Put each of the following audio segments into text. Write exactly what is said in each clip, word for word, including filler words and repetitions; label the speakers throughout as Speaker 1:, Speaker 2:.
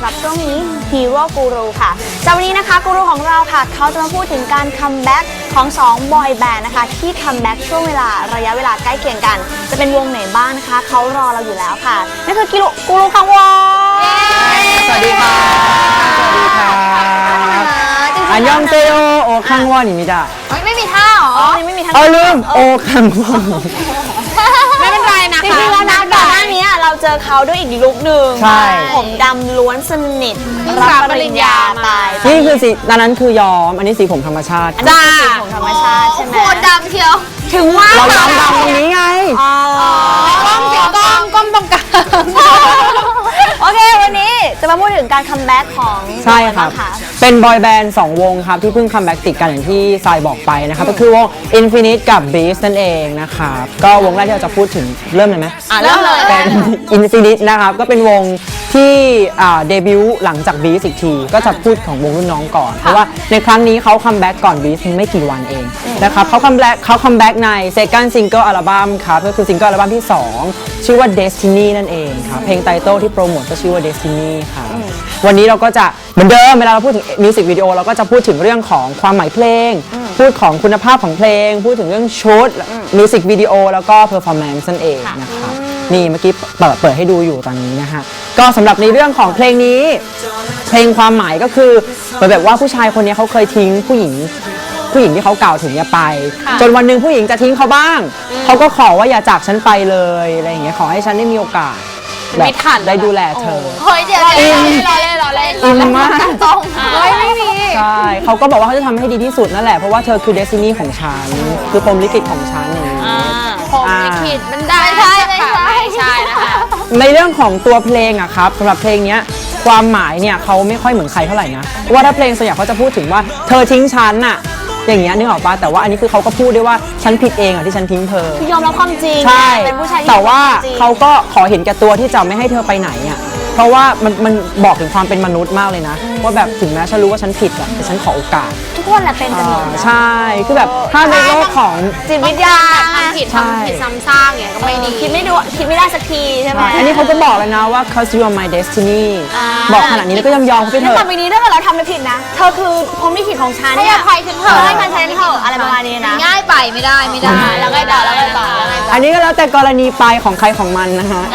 Speaker 1: สำหรับช่วงนี้ Hero Guru ค่ะจากวันนี้นะคะกูรูของเราค่ะเขาจะมาพูดถึงการคัมแบ็กของสองบอยแบนด์นะคะที่คัมแบ็กช่วงเวลาระยะเวลาใกล้เคียงกันจะเป็นวงไหนบ้างนะคะเขารอเราอยู่แล้วค่ะนั่นคือกิรุกูรูคังวอน
Speaker 2: สวัสดีค่ะสวัสดีค่ะอันยองเซโอโอคังวอนนี่ได้
Speaker 1: ไม่มีท่าหรออ๋อยังไม่มีท่า
Speaker 2: อ๋อลืมโอคังวอน
Speaker 1: ไม่เป็นไรนะคะจริงๆแล้วนะก่อนหน้านี้เราเจอเขาด้วยอีกลุคหนึ่งผมดำล้วนสนิทรับปริญญาไป
Speaker 2: นี่คือสีตอนนั้นคือยอมอันนี้สีผมธรรมชาติ
Speaker 1: จ้าสีผมธรรมชาติใช่ไหมโคตรดำเชียวถึงว่า
Speaker 2: เราดำดำตรงนี้ไง
Speaker 1: กล้องเสียกล้องกล้องตรงกลางโอเควันนี้จะมาพูดถึงการคัมแบ็กของ
Speaker 2: ใช่ครับเป็นบอยแบนด์สองวงครับที่เพิ่งคัมแบ็กติดกันอย่างที่ทรายบอกไปนะครับก็คือวง Infinite กับ Beast นั่นเองนะครับก็วงแรกที่เราจะพูดถึงเริ่มเลยไหม
Speaker 1: อ่ะเริ่มเลย
Speaker 2: เป็น Infinite นะครับก็เป็นวงที่เดบิวต์หลังจาก Beast อีกทีก็จะพูดของวงรุ่นน้องก่อนเพราะว่าในครั้งนี้เขาคัมแบ็กก่อน Beast ไม่กี่วันเองนะครับเขาคัมแบ็กเขาคัมแบ็กใน Second Single Album ครับก็คือซิงเกิลอัลบั้มที่สองชื่อว่า Destiny นั่นเองครับเพลงไตเติ้ลที่โปรโมทก็ชื่อว่า Destiny ค่ะวันนี้เราก็จะเหมือนเดิมเวลาเราพูดถึงมิวสิกวิดีโอเราก็จะพูดถึงเรื่องของความหมายเพลงพูดของคุณภาพของเพลงพูดถึงเรื่องชุดมิวสิกวิดีโอแล้วก็เพอร์ฟอร์แมนซ์นั่นเองนะครับนี่เมื่อกี้เปิดเปิดให้ดูอยู่ตอนนี้นะคะก็สำหรับในเรื่องของเพลงนี้เพลงความหมายก็คือเหมือนแบบว่าผู้ชายคนนี้เขาเคยทิ้งผู้หญิงผู้หญิงที่เขากล่าวถึงอย่าไปจนวันหนึ่งผู้หญิงจะทิ้งเขาบ้างเขาก็ขอว่าอย่าจากฉันไปเลยอะไรอย่างเงี้ยขอให้ฉันได้มีโอกาสแบบได้ดูแลเธอ
Speaker 1: เฮ้ยเดี๋ยวอินรอเล่นรอเล่น
Speaker 2: อินมาก
Speaker 1: ต้องเฮ้ยไม่มี
Speaker 2: ใช่เขาก็บอกว่าเขาจะทำให้ดีที่สุดนั่นแหละเพราะว่าเธอคือเดสตินีของฉันคือพรหมลิขิตของฉันอย่างนี้
Speaker 1: พรหมลิขิตมันได้ใช่ไม่ใช่ใช่นะคะ
Speaker 2: ในเรื่องของตัวเพลงอะครับสำหรับเพลงนี้ความหมายเนี่ยเขาไม่ค่อยเหมือนใครเท่าไหร่นะว่าถ้าเพลงส่วนใหญ่เขาจะพูดถึงว่าเธอทิ้งฉันอะอย่างเงี้ยนึกออกปะแต่ว่าอันนี้คือเขาก็พูดได้ว่าฉันผิดเองอ่ะที่ฉันทิ้งเธอย
Speaker 1: อมรับความจริง
Speaker 2: ใช่
Speaker 1: เป็นผู้ชาย
Speaker 2: แต่ว่าเขาก็ขอเห็นแก่ตัวที่จะไม่ให้เธอไปไหนอ่ะเพราะว่ามันมันบอกถึงความเป็นมนุษย์มากเลยนะว่าแบบถึงแม้ฉันรู้ว่าฉันผิดอ่ะแต่ฉันขอโอกาส
Speaker 1: ทุกคนแหละเป็นกันหมด
Speaker 2: ใช่คือแบบถ้าในโลกของ
Speaker 1: จิตวิทยา
Speaker 3: ทำผิดทำผิดซ้ำซากเนี่ยก็ไม่ดี
Speaker 1: คิดไม่ดูคิดไม่ได้สักทีใช่ไหม
Speaker 2: อันนี้เขาก็บอกเลยนะว่า cause you are my destiny บอกขนาดนี้แล้วก็ยอมยอมเขาไปเถอะ
Speaker 1: ต่อไปนี้ถ้าเกิดเราทำไม่ผิดนะเธอคือพรหมลิขิตของฉัน
Speaker 3: ให้อภัยฉันเถอะ
Speaker 1: ให้มันใช้เถอะอะไรประมาณนี้นะ
Speaker 3: ง่ายไปไม่ได้ไม่ได้
Speaker 1: แล้วไงต่อแล้วไงต่อ
Speaker 2: อันนี้ก็แล้วแต่กรณีไปของใครของมันนะฮะ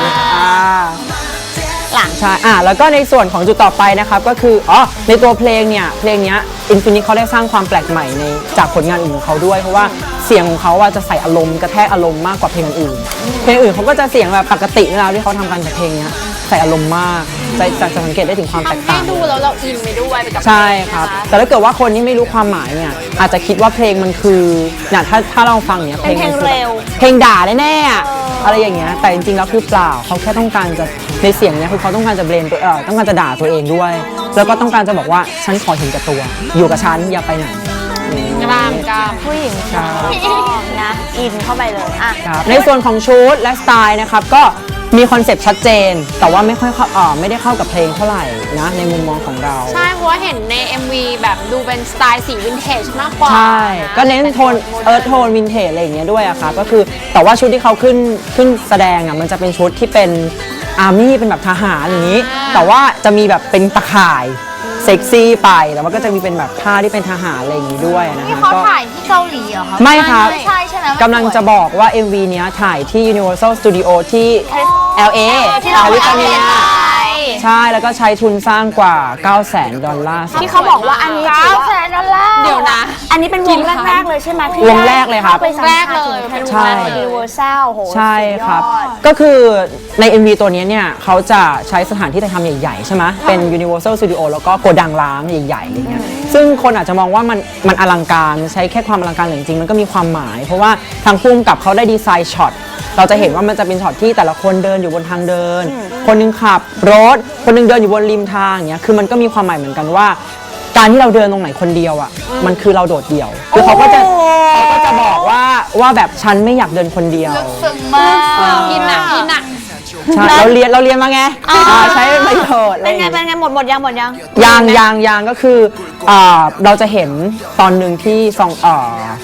Speaker 1: หลัง
Speaker 2: ใช่อ่ะแล้วก็ในส่วนของจุดต่อไปนะครับก็คืออ๋อในตัวเพลงเนี่ยเพลงนี้ Infinite เขาได้สร้างความแปลกใหม่ในจากผลงานอื่นของเขาด้วยเพราะว่าเสียงของเขาว่าจะใส่อารมณ์กระแทกอารมณ์มากกว่าเพลงอื่นเพลงอื่นเขาก็จะเสียงแบบปกติเวลาที่เขาทำกันแต่เพลงนี้ใส่อารมณ์มากจะจะสังเกตได้ถึงความแตกต่าง
Speaker 3: ให้ดูแล้วเราอินไปด้วยไปกับ
Speaker 2: ใช่ครับแต่ถ้าเกิดว่าคนที่ไม่รู้ความหมายเนี่ยอาจจะคิดว่าเพลงมันคือเนี่ยถ้าถ้าเราฟังเนี่ย
Speaker 1: เพลงเร็ว
Speaker 2: เพลงด่าแน่ๆอะไรอย่างเงี้ยแต่จริงๆแล้วคือเปล่าเขาแค่ต้องการจะในเสียงเนี่ยคือเขาต้องการจะเบรนตัวเออต้องการจะด่าตัวเองด้วยแล้วก็ต้องการจะบอกว่าฉันขอเห็นกับตัวอยู่กับฉันอย่าไปไหน
Speaker 3: กล้ามกล้าม
Speaker 1: ผู้หญิงชอบนะอินเข้าไปเลยอ่ะ
Speaker 2: ในส่วนของชุดและสไตล์นะครับก็มีคอนเซปต์ชัดเจนแต่ว่าไม่ค่อยเอ่อไม่ได้เข้ากับเพลงเท่าไหร่นะในมุมมองของเรา
Speaker 3: ใช่เพราะว่าเห็นใน เอ็ม วี แบบดูเป็นสไตล์สีวินเทจมากกว่า
Speaker 2: ใช่ก็เน้นโทนเอิร์ธโทนวินเทจอะไรอย่างเงี้ยด้วยอะค่ะก็คือแต่ว่าชุดที่เขาขึ้นขึ้นแสดงอะมันจะเป็นชุดที่เป็นอาร์มี่เป็นแบบทหารอย่างนี้แต่ว่าจะมีแบบเป็นตะข่ายเซ็กซี่ไปแต่ว่าก็จะมีเป็นแบบผ้าที่เป็นทหารอะไรอย่างนี้ด้วยนะคะ
Speaker 3: ที่เขาถ่ายที่เกาหลีเหรอคะ
Speaker 2: ไม่ครับ
Speaker 3: ไม่ใช่ใช่ไหม
Speaker 2: กำลังจะบอกว่า เอ็ม วี เนี้ยถ่ายที่ Universal Studio ที่ แอล เอ แคลิฟอร์เนียใช่แล้วก็ใช้ทุนสร้างกว่า เก้าแสน ดอลลาร์
Speaker 1: ที่เขาบอกว่าอันนี้
Speaker 3: เก้าแสน ดอลลาร์
Speaker 1: เดี๋ยวนะอันนี้เป็นวงแรกๆเลยใช่ไหม
Speaker 2: วงแรกเลยครับ
Speaker 3: วงแรกเลย
Speaker 1: เป็นวงแรก Universal โห
Speaker 2: ใช่ครับก็คือใน เอ็ม วี ตัวนี้เนี่ยเขาจะใช้สถานที่ถ่ายทำใหญ่ๆใช่ไหมเป็น Universal Studio แล้วก็โกดังล้างใหญ่ๆอย่างเงี้ยซึ่งคนอาจจะมองว่ามันมันอลังการใช้แค่ความอลังการแต่จริงๆมันก็มีความหมายเพราะว่าทางผู้กำกับเขาได้ดีไซน์ช็อตเราจะเห็นว่ามันจะเป็นช็อตที่แต่ละคนเดินอยู่บนทางเดินคนนึงขับรถคนนึงเดินอยู่บนริมทางอย่างเงี้ยคือมันก็มีความหมายเหมือนกันว่าการที่เราเดินตรงไหนคนเดียวอ่ะมันคือเราโดดเดี่ยวคือเขาก็จะเขาก็จะบอกว่าว่าแบบฉันไม่อยากเดินคนเดียว
Speaker 3: ซึ้งมากอินหนักอินหนัก
Speaker 2: ใช่เราเรียนเราเรียนมาไงใช้ประโยชน์
Speaker 1: เป็นไงเป็นไงหมดหมดยังหมดยัง
Speaker 2: ยางยางยางก็คือเราจะเห็นตอนหนึ่งที่ซองเอ่อ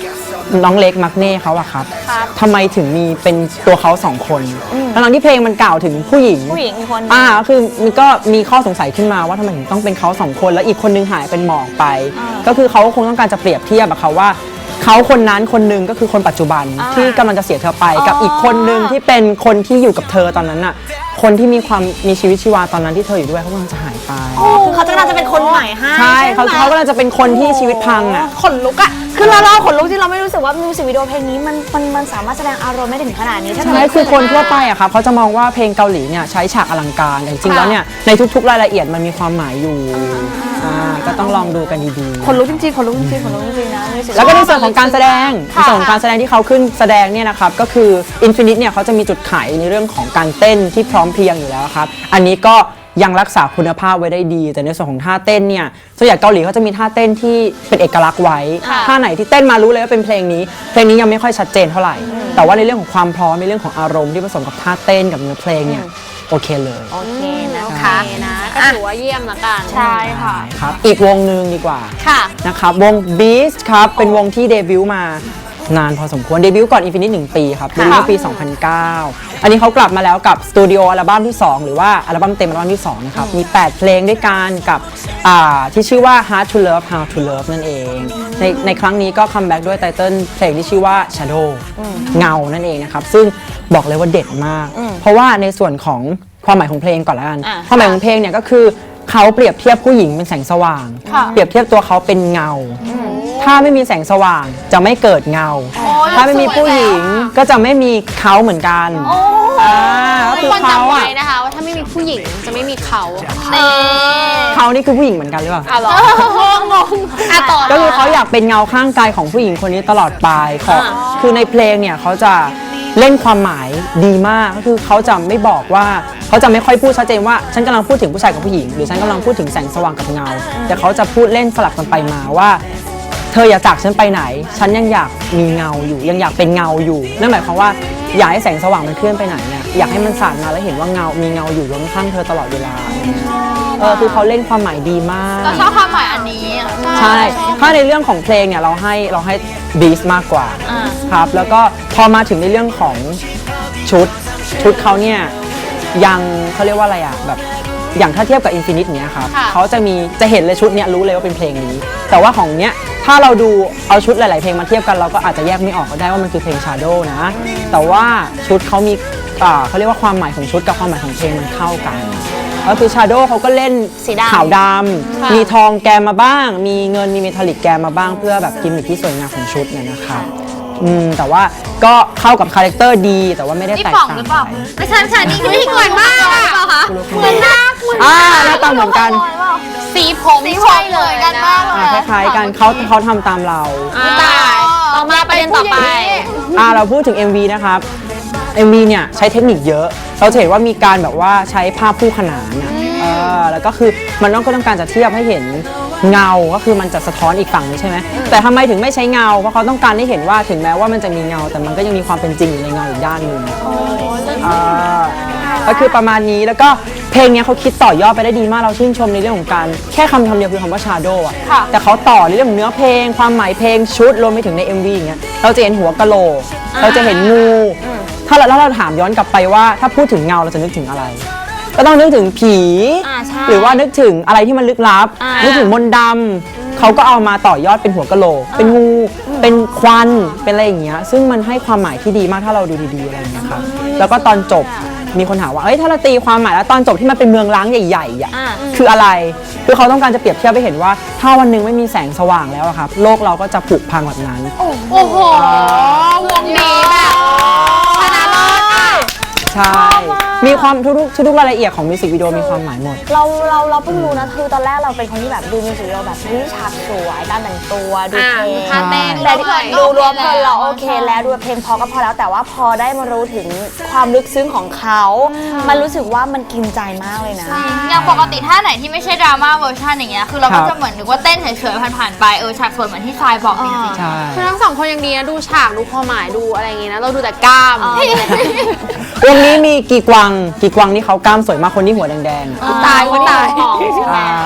Speaker 2: น้องเล็กมักเน่เขาอะครับ
Speaker 1: ครับ
Speaker 2: ทำไมถึงมีเป็นตัวเขาสองคนทั้งๆที่เพลงมันกล่าวถึงผู้หญิง
Speaker 1: ผู้หญิงอีกคน
Speaker 2: อ่าก็คือมันก็มีข้อสงสัยขึ้นมาว่าทำไมถึงต้องเป็นเขาสองคนแล้วอีกคนนึงหายเป็นหมอกไป ก็คือเขาคงต้องการจะเปรียบเทียบอะค่ะว่าเขาคนนั้นคนหนึงก็คือคนปัจจุบันที่กำลังจะเสียเธอไปกับอีกคนนึงที่เป็นคนที่อยู่กับเธอตอนนั้นอะคนที่มีความมีชีวิตชีวาตอนนั้นที่เธออยู่ด้วยเขากำลังจะหายไป
Speaker 1: คือเขาจะน่าจะเป็นคนใหม่ให้
Speaker 2: ใช่เขา
Speaker 1: ไหม
Speaker 2: เขากำลังจะเป็นคนที่ชีวิตพังอะ
Speaker 1: ขนลุกอะคือเราเราขนลุกที่เราไม่รู้สึกว่ามิวสิกวิดีโอเพลงนี้มันมันมันสามารถแสดงอารมณ์ได้ถึงขนาดนี้ถ้า
Speaker 2: ใช่คือคนทั่วไปอะครับเขาจะมองว่าเพลงเกาหลีเนี่ยใช้ฉากอลังการแต่จริงๆแล้วเนี่ยในทุกๆรายละเอียดมันมีความหมายอยู่อ่าก็ต้องลองดูกันดีๆ
Speaker 1: ขนลุกจริงๆขนลุกจริงๆขนลุกจริงๆนะมิวสิ
Speaker 2: แล้วก็ในส่วนของการแสดงใน
Speaker 1: ค่ะ
Speaker 2: ส่วนของการแสดงที่เขาขึ้นแสดงเนี่ยนะครับก็คือ Infinite เนี่ยเขาจะมีจุดขายในเรื่องของการเต้นที่พร้อมเพรียงอยู่แล้วครับอันนี้ก็ยังรักษาคุณภาพไว้ได้ดี แต่ในส่วนของท่าเต้นเนี่ยส่วนใหญ่เกาหลีเขาจะมีท่าเต้นที่เป็นเอกลักษณ์ไว้ท่าไหนที่เต้นมารู้เลยว่าเป็นเพลงนี้เพลงนี้ยังไม่ค่อยชัดเจนเท่าไหร่แต่ว่าในเรื่องของความพร้อมในเรื่องของอารมณ์ที่ผสมกับท่าเต้นกับเนื้อเพลงเนี่ยโอเคเลย
Speaker 1: โอเคนะ
Speaker 3: โอ
Speaker 1: คะ
Speaker 3: เคนะก็ถือว่าเยี่ยมละกัน
Speaker 1: ใช่ค่ะ
Speaker 2: ครับอีกวงหนึ่งดีกว่า
Speaker 3: ค่ะ
Speaker 2: นะครับวง Beast ครับเป็นวงที่เดบิวต์มานานพอสมควรเดบิวต์ก่อน Infinite หนึ่งปีครับเดบิวต์เมื่อปี สองพันเก้า อันนี้เขากลับมาแล้วกับสตูดิโออัลบั้มที่ สอง หรือว่าอัลบั้มเต็มอัลบั้มที่ สอง นะครับ มี แปด เพลงด้วยกันกับอ่าที่ชื่อว่า Hard to Love How to Love นั่นเอง ในในครั้งนี้ก็คัมแบ็กด้วยไตเติ้ลเพลงที่ชื่อว่า Shadow เงานั่นเองนะครับ ซึ่งบอกเลยว่าเด็ดมาก เพราะว่าในส่วนของความหมายของเพลงก่อนละกัน
Speaker 1: อ่ะ
Speaker 2: ความหมายของเพลงเนี่ยก็คือเขาเปรียบเทียบผู้หญิงเป็นแสงสว่าง เปรียบเทียบตัวเขาเป็นเงา ถ้าไม่มีแสงสว่างจะไม่เกิดเงา ถ้าไม่มีผู้หญิงก็จะไม่มีเขาเหมือนกันอ่าก็
Speaker 3: ทุ
Speaker 2: คื
Speaker 3: ก
Speaker 2: อ
Speaker 3: คน
Speaker 2: เขา
Speaker 3: จำไว้
Speaker 2: อ่ะ
Speaker 3: นะคะว่าถ้าไม่มีผู้หญิงจะไม่มีเขา
Speaker 2: เขานี่คือผู้หญิงเหมือนกันหรือเปล่า
Speaker 3: อ่ะหรองงอ่ะต่อ
Speaker 2: ก็คือเขาอยากเป็นเงาข้างกายของผู้หญิงคนนี้ตลอดไปขอคือในเพลงเนี่ยเขาจะเล่นความหมายดีมากก็คือเขาจะไม่บอกว่าเขาจะไม่ค่อยพูดชัดเจนว่าฉันกำลังพูดถึงผู้ชายกับผู้หญิงหรือฉันกำลังพูดถึงแสงสว่างกับเงา แต่เขาจะพูดเล่นสลับกันไปมาว่าเธออย่าจากฉันไปไหน ฉันยังอยากมีเงาอยู่ ยังอยากเป็นเงาอยู่นั่นหมายความว่าอยากให้แสงสว่างมันเคลื่อนไปไหนเนี่ยอยากให้มันสาดมาแล้วเห็นว่าเงา มีเงาอยู่ข้างๆเธอตลอดเวลาเออคือเขาเล่นความหมายดีมาก
Speaker 3: เราชอบความหมายอันนี้
Speaker 2: ใช่ ถ้าในเรื่องของเพลงเนี่ยเราให้เราให้บีสมากกว่าครับ แล้วก็พอมาถึงในเรื่องของชุดชุดเขาเนี่ยยังเขาเรียกว่าอะไรอะแบบอย่างถ้าเทียบกับ Infinite เนี้ยครับ
Speaker 3: ค่ะ
Speaker 2: เขาจะมีจะเห็นเลยชุดเนี้ยรู้เลยว่าเป็นเพลงนี้ แต่ว่าของเนี้ยถ้าเราดูเอาชุดหลาย ๆ เพลงมาเทียบกันเราก็อาจจะแยกไม่ออกก็ได้ว่ามันคือเพลง Shadow นะ แต่ว่าชุดเขามีอ่าเขาเรียกว่าความหมายของชุดกับความหมายของเพลงมันเข้ากันก็คือ Shadow เขาก็เล่น
Speaker 1: สีดำ
Speaker 2: ขาวดำมีทองแกมมาบ้าง มีเงินมีเมทัลลิกแกมมาบ้างเพื่อแบบกิมมิคที่สวยงามของชุดเนี่ยนะครับอืมแต่ว่าก็เข้ากับคาแรคเตอร์ดีแต่ว่าไม่ได้แตกต่างไป
Speaker 3: ไม่ใช่ไม่ใช่นี่คือที่เหมือนมากอะเหมือนมาก
Speaker 2: อ่าหน้าตาเหมือนกัน
Speaker 3: สีผมใช่เลยกันมาก
Speaker 2: อ่าคล้ายๆกันเขาเขาทำตามเรา
Speaker 3: ตายต่อมาประเด็นต่อไป
Speaker 2: อ่าเราพูดถึง เอ็ม วี นะครับ เอ็ม วี เนี่ยใช้เทคนิคเยอะ เราจะเห็นว่ามีการแบบว่าใช้ภาพคู่ขนานอะเออแล้วก็คือมันต้องก็ต้องการจะเทียบให้เห็นเงา ก็คือมันจะสะท้อนอีกฝั่งนึงใช่ไหมแต่ทำไมถึงไม่ใช้เงา เพราะเขาต้องการให้เห็นว่าถึงแม้ว่ามันจะมีเงา แต่มันก็ยังมีความเป็นจริงอยู่ในเงาอีกด้านหนึ่งอ่าก็คือประมาณนี้ แล้วก็เพลงเนี้ยเขาคิดต่อยอดไปได้ดีมาก เราชื่นชมในเรื่องของการแค่คำคำเดียวคือคำว่า shadow อะแต่เขาต่อในเรื่องของเนื้อเพลง ความหมายเพลงชุดรวมไปถึงใน เอ็ม วี อย่างเงี้ย เราจะเห็นหัวกะโหลก เราจะเห็นงู ถ้าเราแล้วเราถามย้อนกลับไปว่าถ้าพูดถึงเงาเราจะนึกถึงอะไร ก็ต้องนึกถึงผี
Speaker 1: อ่าใช่
Speaker 2: หรือว่านึกถึงอะไรที่มันลึกลับ
Speaker 1: อ่านึ
Speaker 2: นึกถึงมนต์ดำเขาก็เอามาต่อยอดเป็นหัวกะโหลก เป็นงู เป็นควัน เป็นอะไรอย่างเงี้ย ซึ่งมันให้ความหมายที่ดีมากถ้าเราดูดีๆอะไรอย่างเงี้ยครับ แล้วก็ตอนจบมีคนถามว่า เอ้ยถ้าเราตีความหมายแล้วตอนจบที่มันเป็นเมืองร้างใหญ่ๆอ่ะ
Speaker 1: อ่า
Speaker 2: คืออะไร คือเขาต้องการจะเปรียบเทียบให้เห็นว่า ถ้าวันหนึ่งไม่มีแสงสว่างแล้วอะครับ โลกเราก็จะผุพังแบบนั้น
Speaker 3: โอ้โหวงนี้แบบชนะเลิศอะ
Speaker 2: ใช่ มีความทุกๆทุกๆรายละเอียดของมิวสิกวิดีโอมีความหมายหมด
Speaker 1: เราเราเราเพิ่งรู้นะคือตอนแรกเราเป็นคนที่แบบดูมิวสิกวิดีโอแบบวิฉากสวยการแต่งตัวดูเพลง
Speaker 3: ท่าเต้น
Speaker 1: แต่ที่ดูรวมเพลินเราโอเคแล้วดูเพลงพอก็พอแล้วแต่ว่าพอได้มารู้ถึงความลึกซึ้งของเขา มันรู้สึกว่ามันกินใจมากเลยนะ
Speaker 4: อย่างปกติท่าไหนที่ไม่ใช่ดราม่าเวอร์ชันอย่างเงี้ย คือเรา
Speaker 2: ครั
Speaker 4: ก็
Speaker 2: บ
Speaker 4: จะเหมือนนึกว่าเต้นเฉยๆผ่านๆไป เออฉากสวยเหมือนที่ทรายบอกจริง
Speaker 2: ใช่
Speaker 3: คือทั้งสองคนยังดีนะดูฉากดูความหมายดูอะไรอย่างงี้นะเราดูแต่กล้าม
Speaker 2: วงนี้มีกี่กวางกี่กวางนี่เขากล้ามสวยมากคนที่หัวแดงๆอะ
Speaker 3: ตายก็ตาย
Speaker 2: อ่า
Speaker 3: เฮ้ยแต่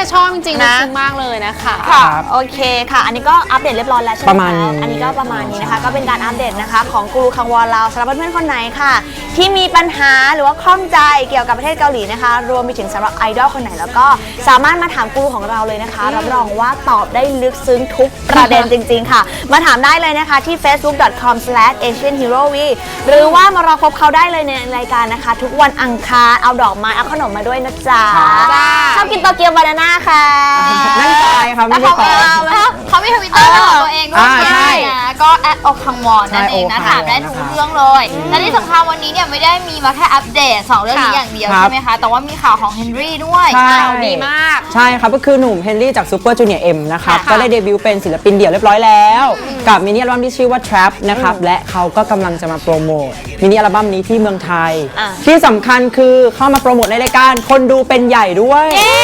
Speaker 3: จะชอบจริงๆ
Speaker 1: นะ
Speaker 3: นะซึ้งมากเลยนะคะ
Speaker 1: ค่ะโอเคค่ะ อันนี้ก็อัปเดตเรียบร้อยแล้วใช่ไหม
Speaker 2: ประมาณนี้
Speaker 1: อันนี้ก็ประมาณนี้นะคะ ก็เป็นการอัปเดตนะคะของกูรูคังวอลเราสำหรับเพื่อนๆคนไหนค่ะ ที่มีปัญหาหรือว่าข้องใจเกี่ยวกับประเทศเกาหลีนะคะ รวมไปถึงสำหรับไอดอลคนไหนแล้วก็สามารถมาถามกูรูของเราเลยนะคะ รับรองว่าตอบได้ลึกซึ้งทุกประเด็นจริง ๆ ค่ะ มาถามได้เลยนะคะที่ เฟซบุ๊ก ดอท คอม สแลช เอเชียนฮีโร่วี หรือว่ามารอพบเขาได้เลยในรายการนะคะ ทุกวันอังคารเอาดอกไม้เอาขนมมาด้วยนะจ๊ะชอบกินโตเกียวบานาน่าค่ะ
Speaker 2: นั่นใจครับไม่
Speaker 1: แล้ว
Speaker 2: ใช่
Speaker 1: เขา
Speaker 2: ขอ
Speaker 1: เอา
Speaker 4: เขามีทวิตเตอร์ของตัวเองด้วย
Speaker 2: อ่าใช่
Speaker 4: นะก็แอดอกคังวอนนั่นเองนะ
Speaker 2: ใช่
Speaker 4: ถามได้ทุกเรื่องเลย และที่สำคัญวันนี้เนี่ยไม่ได้มีมาแค่อัปเดตสองเรื่องนี้อย่างเดียว
Speaker 2: ครับ
Speaker 4: ใช่ไหมคะ แต่ว่ามีข่าวของเฮนรี่ด้วย
Speaker 2: ใช่
Speaker 3: ข่าวดีมาก
Speaker 2: ใช่ครับ ก็คือหนุ่มเฮนรี่จากซูเปอร์จูเนียร์เอ็มนะครับ
Speaker 3: ค่ะ
Speaker 2: ก็ได้เดบิวต์เป็นศิลปินเดี่ยวเรียบร้อยแล้ว กับมินิอัลบั้มที่ชื่อว่า Trap นะครับ และเขาก็กำลังจะมาโปรโมทมินิอัลบั้มนี้ที่เมืองไทย
Speaker 1: อ่ะ
Speaker 2: ที่สำคัญคือเข้ามาโปรโมทในรายการคนดูเป็นใหญ่ด้วย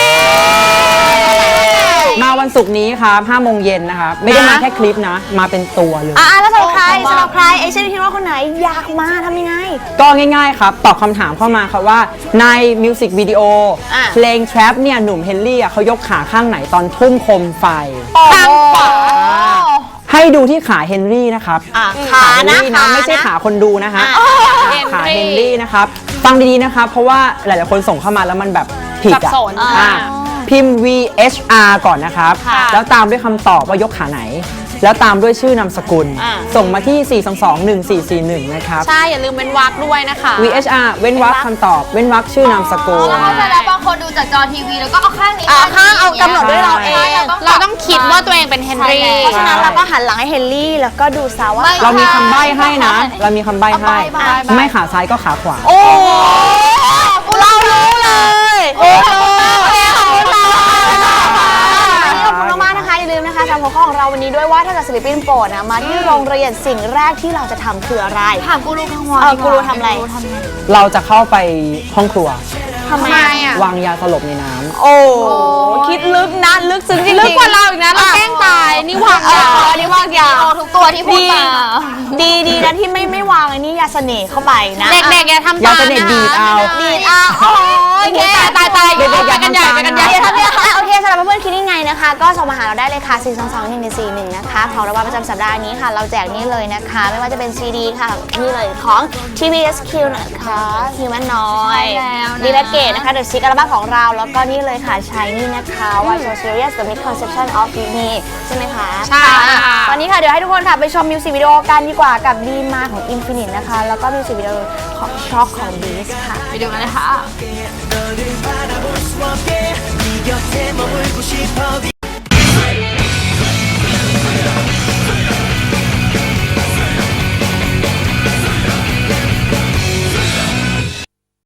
Speaker 2: มาวันศุกร์นี้ครับห้าโมงเย็นนะครับ ไม่ได้มาแค่คลิปนะ มาเป็นตัวเลย
Speaker 1: อ่าแล้วสำหรับใครสำหรับใครเอเชียนฮีโร่คนไหนอยากมาทำยังไง
Speaker 2: ก็ง่ายๆครับ ตอบคำถามเข้ามาครับว่าในมิวสิกวิดีโอ
Speaker 1: อ่ะ
Speaker 2: เพลง Trap เนี่ยหนุ่มเฮนรี่อ่ะเขายกขาข้างไหนตอนทุ่มโคมไฟ
Speaker 1: ข้างขวา
Speaker 2: ให้ดูที่ขาเฮนรี่นะครับ
Speaker 1: อ่ะ
Speaker 2: ขา
Speaker 1: ขา
Speaker 2: เฮน
Speaker 1: นะ
Speaker 2: รี่
Speaker 1: ขา
Speaker 2: นะไม่ใช่
Speaker 1: นะ
Speaker 2: ขาคนดูนะฮะ
Speaker 1: อ่ะ
Speaker 2: ขาเฮนรี่นะครับ ฟังดีๆนะครับ เพราะว่าหลายๆคนส่งเข้ามาแล้วมันแบบผิด
Speaker 3: สับ
Speaker 2: อ่ะ
Speaker 3: สน
Speaker 2: อ่ะ
Speaker 3: อ่า
Speaker 2: พิมพ์ วี เอช อาร์ ก่อนนะครับ
Speaker 3: ค่ะ
Speaker 2: แล้วตามด้วยคำตอบว่ายกขาไหน แล้วตามด้วยชื่อนามสกุล
Speaker 1: อ่ะ
Speaker 2: ส่งมาที่ สี่ สอง สอง หนึ่ง สี่ สี่ หนึ่ง นะครับ
Speaker 3: ใช่ อย่าลืมเป็นวักด้วยนะคะ
Speaker 2: วี เอช อาร์ เว้นวรรคคำตอบ เว้นวรรคชื่อนามสกุล
Speaker 4: แล้วเข้าใจแล้วบางคนดูจากจอทีวีแล้วก็เอาข้างนี้
Speaker 1: อ่าข้างเอากำหนดด้วยเราเอง
Speaker 3: เราต้องคิดว่าตัวเองเป็นเฮนรี่
Speaker 1: เพราะฉะนั้นเราก็หันหลังให้เฮนรี่แล้วก็ดูซะว่า
Speaker 2: เรามีคำใบ้ให้นะ เรามีคำใบ้ให้
Speaker 4: เอาใบ้ใบ้
Speaker 2: ไม่ขาซ้ายก็ขาขวา
Speaker 1: โอ้เรารู้เลยโอ้โหขอบคุณมากขอบคุณมากๆนะคะอย่าลืมนะคะจำหัวข้อของเราวันนี้ด้วยว่าถ้าเกิดศิลปินโปรดนะมาที่โรงเรียนสิ่งแรกที่เราจะทำคืออะไร
Speaker 4: ถามกูรูคังวอน
Speaker 1: เออ
Speaker 4: ดีว่า
Speaker 1: กูรูทำอะไร
Speaker 4: กูรูทำอะไร
Speaker 2: เราจะเข้าไปห้องครัว
Speaker 1: ทำไม
Speaker 3: ทำไมอ่ะ
Speaker 2: วางยาสลบในน้ำ
Speaker 1: โอ้คิดลึกนะลึกซึ้งจริงๆ
Speaker 3: ลึกกว่าเราอีกนะ เราแกล้งตาย นี่วางา
Speaker 1: เอยออันนี้วางยา
Speaker 4: โอ้ทุกตัวที่พูดมา
Speaker 1: ดีดีนะที่ไม่ไม่วางอันนี้ยาเสน่ห์เข้าไปนะ
Speaker 3: เด็กๆอย่าทำ
Speaker 2: ยา
Speaker 3: ตาม
Speaker 2: เสน่ห์ดีดเอา
Speaker 1: ดีดอ่ะโอ้ยแก
Speaker 3: ตายตาย
Speaker 2: เด็กๆอย่า
Speaker 3: ไปกันใหญ่
Speaker 2: ทำตาม
Speaker 3: ไปกันใหญ่
Speaker 1: เดี๋ยวทำเนี่ยโอเคสำหรับเพื่อนๆคิดยังไงนะคะ ก็ส่งมาหาเราได้เลยค่ะ สี่ สอง สอง หนึ่ง หนึ่ง สี่ หนึ่ง นะคะ ของรางวัลประจำสัปดาห์นี้ค่ะ เราแจกนี่เลยนะคะ ไม่ว่าจะเป็นซีดีค่ะ นี่เลยของ ที วี เอส คิว นะคะ Human Noise
Speaker 4: ใช่แล้วนะ
Speaker 1: ดีและเกตนะคะ The Six อัลบั้มของเรา แล้วก็นี่เลยค่ะ Shiny นะคะ Why So Serious The Misconception of Me ใช่ไหมคะ
Speaker 3: ใช่ค่ะ
Speaker 1: ตอนนี้ค่ะเดี๋ยวให้ทุกคนค่ะไปชมมิวสิกวิดีโอกันดีกว่ากับดีมาของ Infinite นะคะ แล้วก็มิวสิกวิดีโอของช็อกของ Beast ค่ะ
Speaker 4: ไปดูกันเลยค่ะ
Speaker 5: 너를 바라볼 수 없게 네 곁에 머물고 싶어